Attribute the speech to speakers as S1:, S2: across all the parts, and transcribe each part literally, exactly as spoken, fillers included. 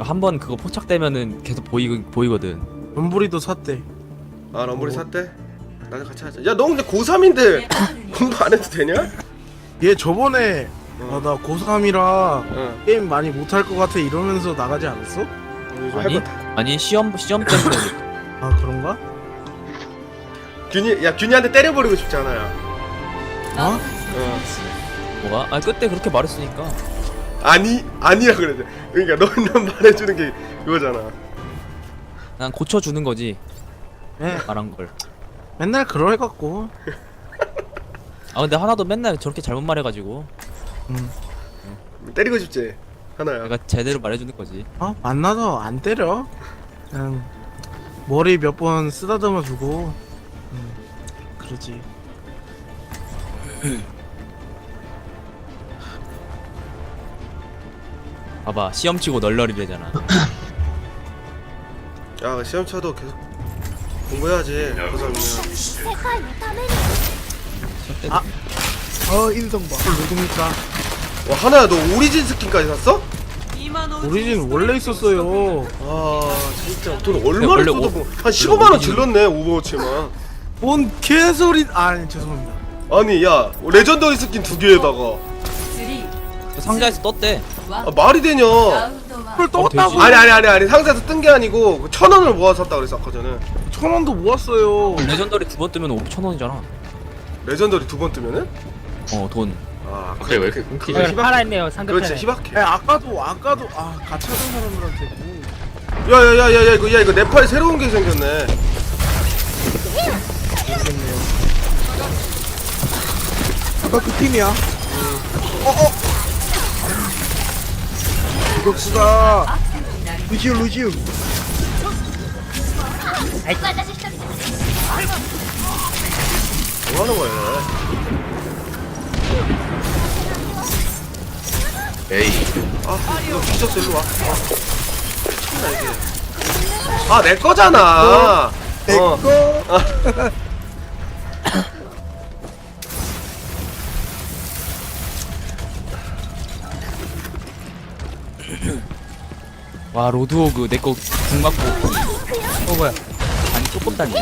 S1: 한번 그거 포착되면은 계속 보이 보이거든.
S2: 럼블이도 샀대.
S3: 아 럼블이 샀대? 나도 같이 하자. 야 너 근데 고삼인데 공부 안 해도 되냐?
S2: 얘 저번에
S3: 어.
S2: 아, 나 고삼이라
S3: 어.
S2: 게임 많이 못할 것 같아 이러면서 나가지 않았어?
S3: 요즘
S1: 아니
S3: 할거 다.
S1: 아니 시험 시험 때문에.
S2: 아 그런가?
S3: 균이 야 균이한테 때려버리고 싶잖아요.
S2: 어?
S3: 어.
S1: 뭐가? 아 그때 그렇게 말했으니까.
S3: 아니 아니라 그래. 그러니까 너는 말해주는 게 그거잖아.
S1: 난 고쳐주는 거지
S2: 네.
S1: 말한 걸.
S2: 맨날 그러해갖고.
S1: 아 근데 하나도 맨날 저렇게 잘못 말해가지고
S2: 음.
S3: 때리고 싶지 하나야.
S1: 내가 제대로 말해주는 거지.
S2: 어? 만나서 안 때려. 그냥 머리 몇 번 쓰다듬어 주고. 음. 그러지.
S1: 봐봐 시험 치고 널널이 되잖아.
S3: 야 시험 쳐도 계속 공부해야지. 고삼이면.
S2: 아. 어 인성봐. 누굽니까?
S3: 와 하나야 너 오리진 스킨까지 샀어?
S2: 오리진 원래 있었어요.
S3: 아 진짜 돈 얼마를
S1: 원래
S3: 쏟아부
S1: 오-
S3: 한 십오만 원
S1: 오리진-
S3: 질렀네 오버워치만.
S2: 뭔 개소리. 아니 죄송합니다.
S3: 아니 야 레전더리 스킨 두 개에다가
S1: 상자에서 떴대.
S3: 아, 말이 되냐?
S2: 그걸 떴다고.
S1: 되지.
S3: 아니 아니 아니 아니 상자에서 뜬 게 아니고 천 원을 모아서 샀다 그랬어 아까 전에.
S2: 천 원도 모았어요.
S1: 레전더리 두 번 뜨면 오천 원이잖아.
S3: 레전더리 두 번 뜨면은?
S1: 어 돈.
S3: 아
S4: 그래, 왜 이렇게
S3: 그-
S4: 끊기지?
S3: 그거 희박.
S5: 살아있네요 상급편에.
S3: 그렇지 희박해.
S2: 야 아까도 아까도 아 같이 하던 사람들한테 뭐.
S3: 야야야야야 이거 야 이거 네팔 새로운 게 생겼네.
S2: 모르겠네요. 아까 그 팀이야. 어어. 이격수가 루지우 루지우.
S3: 뭐 하는 거야?
S4: 에이
S3: 아 이거 뒤졌어 일로 와. 아, 미쳤나 이게. 아 내 거잖아.
S2: 내
S3: 어.
S2: 거.
S1: 와 로드호그 내거 궁맞고. 어 뭐야? 아니 조금 단지.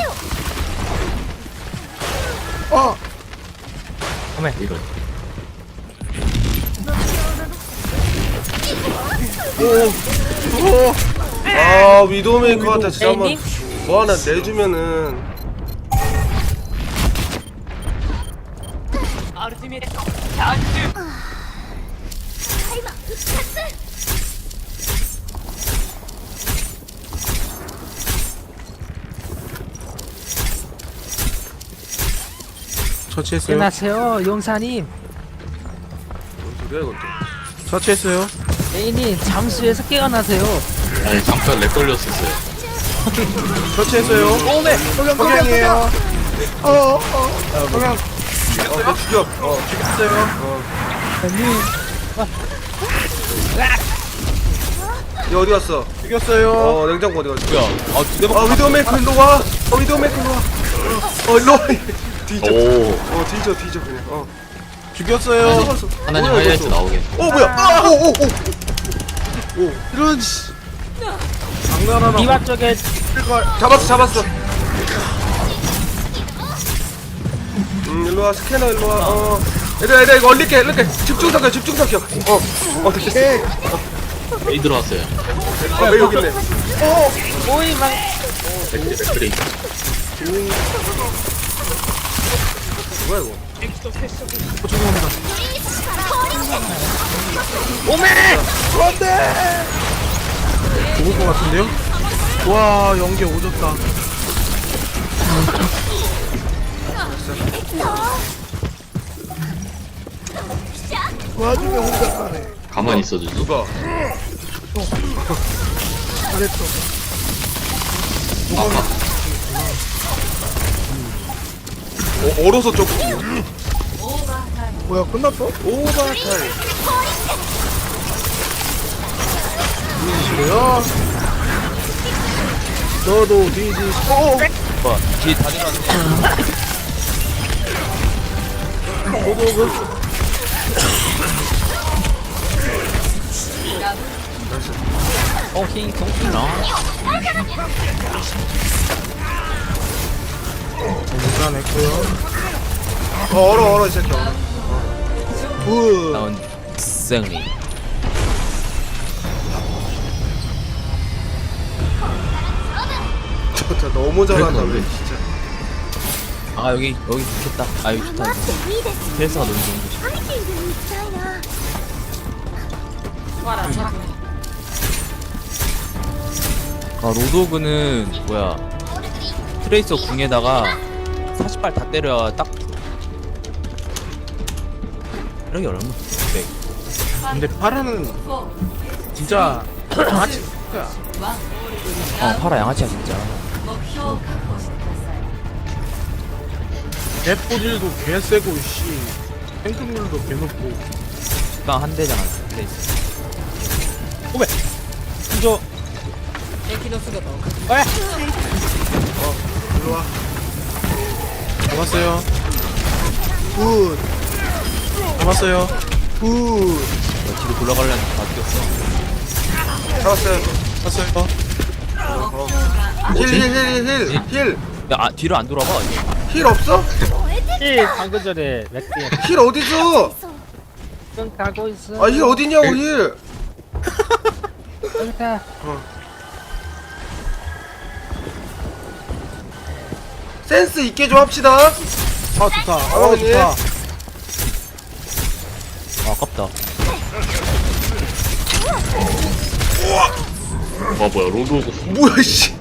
S2: 어.
S4: 이런
S2: 오.
S3: 아 위도메이커한테 진짜 한번 뭐 하나 내주면은.
S2: 처치했어요.
S5: 안녕하세요 용사님.
S3: 뭔 소리야 이건 또.
S2: 처치했어요.
S5: A님 잠수에서 깨어나세요.
S4: 아니 잠깐 렉 걸렸었어요.
S2: 처치했어요. 오메. 성향이에요. 어. 어. 성향.
S3: 어너 죽여. 어
S2: 죽였어요.
S3: 얘 어디 갔어?
S2: 죽였어요.
S3: 어 냉장고 어디 갔어?
S1: 뭐야? 아두 대만.
S3: 아 위도메이커 일로 와. 어 위도메이커 일로 와. 어 일로 와. 뒤져.
S4: 오
S3: 어 뒤져 뒤져 그냥. 어.
S2: 죽였어요.
S3: 죽었어.
S4: 하나님
S3: 뭐야,
S4: 하이라이트
S3: 이것도.
S4: 나오게.
S3: 어 뭐야? 아, 오, 오, 오. 오.
S2: 이런 씨. 장난하나.
S5: 이마 쪽에
S3: 잡았어, 잡았어. 음, 일로 와, 스캐너 일로 와. 어. 얘들아, 얘들아, 이거 얼릴게, 얼릴게. 집중 사격, 집중 사격. 어, 어, 됐어.
S4: 메이 들어왔어요.
S3: 아, 왜 여기 있네.
S5: 오이망.
S4: 맥- 맥크리.
S3: 뭐야 이거?
S2: 어, 죄송합니다. 안돼. 죽을 것 같은데요? 와 연계 오졌다. 와중에 혼자 가네.
S4: 가만히 있어주지.
S3: 누가?
S2: 잘했어.
S4: 아까
S3: 어, 얼어서 쪽.
S2: 뭐야 끝났어?
S3: 오바타임.
S2: 그래요? 너도 뒤지. 어.
S1: 뭐 뒤에 다 들어왔네.
S2: 오고고.
S1: 똥킹 똥킹 어
S2: 못가냈고요.
S3: 어 얼어 얼어 이 새끼 얼어.
S1: 나온 승리.
S3: 진짜 너무 잘한다 왜 진짜.
S1: 아 여기 여기 좋겠다. 아 여기 좋다. 페이스가 너무 좋은 곳이.
S6: ハイキングに行きたいな。
S1: 아 로도그는 뭐야? 트레이서 궁에다가 사십 발 다 때려야 딱. 이렇게 얼마? 네.
S2: 근데 파라는 진짜 양아치.
S1: 어 파라 양아치야 진짜.
S2: 개포질도 개세고 씨. 생존율도 개높고.
S1: 빵 한 대잖아 트레이서.
S2: 오메.
S1: 저
S3: 일로 와.
S2: 잡았어요. 굿. 잡았어요. 굿.
S1: 나 뒤로 돌아가려는 다 뛰었어.
S3: 잡았어요.
S2: 잡았어요.
S3: 힐힐힐힐힐힐
S1: 야 아, 뒤로 안 돌아봐.
S3: 힐 없어?
S5: 힐 방금 전에 맥스
S3: 힐 어디서?
S5: 끙 가고 있어.
S3: 아 힐 어디냐고 힐.
S5: 여기다.
S3: 센스 있게 좀 합시다.
S2: 아 좋다. 아
S3: 어,
S2: 좋다.
S3: 예.
S1: 아, 아깝다.
S4: 와 뭐야 로드 오고
S3: 뭐야 씨.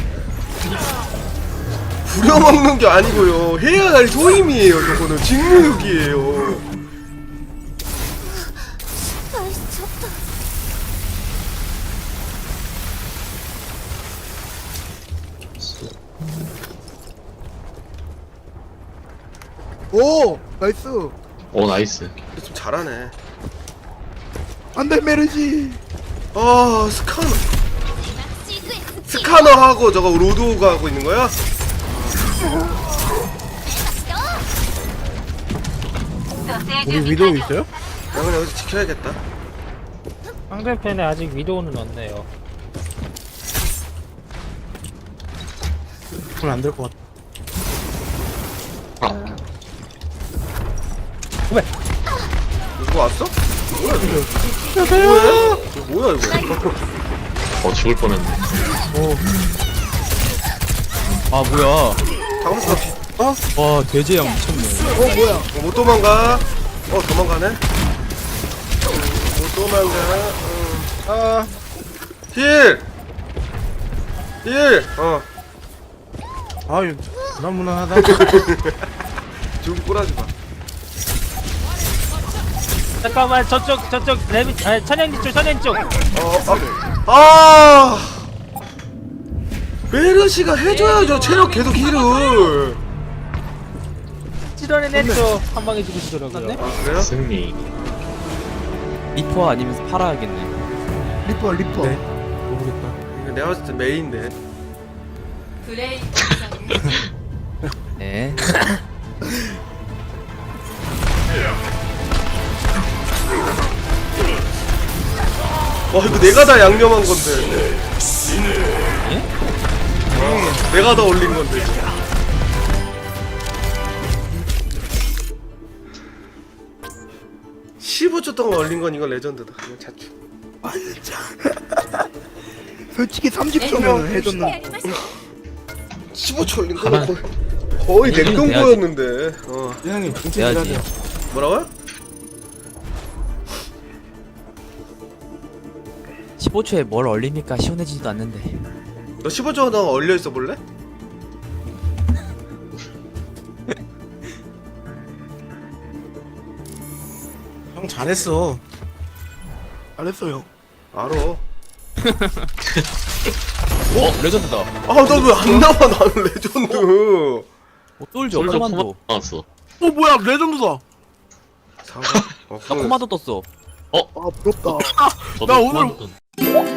S3: 부려먹는 게 아니고요. 해야 할 소임이에요. 저거는 직무유기예요.
S6: 失敗しちゃった。
S2: 오 나이스.
S4: 오 나이스.
S3: 좀 잘하네.
S2: 안돼 메르지.
S3: 아 스카너
S6: シークエンス
S3: 스카너하고 저거 로드오가 하고 있는 거야?
S2: 우리 위도우 있어요?
S3: 나 그냥 여기서 지켜야겠다.
S5: 상대편에 아직 위도우는 없네요.
S2: 그건 안 될 것 같아.
S4: 아
S3: 누구 왔어? 뭐야 이거? 뭐야? 이거 뭐야 이거?
S4: 어 죽을 뻔했네.
S1: 아 뭐야?
S3: 잠깐만.
S1: 와 돼지양 미쳤네.
S3: 어, 못 도망가. 어 도망가네. 못 도망가. 응. 아 힐. 힐. 어.
S2: 아유 무난무난하다.
S3: 지금 꼬라지 마.
S5: 잠깐만 저쪽 저쪽 레미 아 천연지 쪽 천연지 쪽.
S3: 어, 아, 아, 메르시가 해줘야죠. 체력 계속 힐을.
S5: 찌르는 애쪽 한 방에 죽으시더라고요.
S3: 아 그래요?
S4: 승리.
S1: 리퍼 아니면 팔아야겠네.
S2: 리퍼 리퍼. 네. 모르겠다.
S3: 이거 내가 봤을 때 메인데.
S1: 네.
S3: 와 이거 내가 다 양념한 건데.
S1: 예?
S3: 어, 내가 다 올린 건데. 십오 초 동안 올린 건 이거 레전드다. 이거 자축.
S2: 솔직히 삼십 초면 해줬나?
S3: 십오 초 올린 거
S4: 하나.
S3: 거의, 거의
S1: 이거는
S3: 냉동고였는데. 어.
S2: 형님 중퇴
S1: 돼야지.
S2: 해야 돼.
S3: 뭐라고요?
S1: 십오 초에 뭘 얼립니까? 시원해지지도 않는데.
S3: 너 십오 초 동안 얼려 있어 볼래?
S2: 형 잘했어. 잘했어요.
S3: 알아.
S1: 어 레전드다.
S3: 아 너 왜 안 나와 나는 레전드.
S1: 어, 솔저
S4: 솔저
S1: 코만도.
S4: 코마 나왔어.
S2: 어 뭐야 레전드다.
S3: 사과. 어,
S1: 나 코만도 떴어.
S4: 어?
S2: 아 부럽다.
S4: 저도
S2: 나 오늘-
S4: 코만도 떴-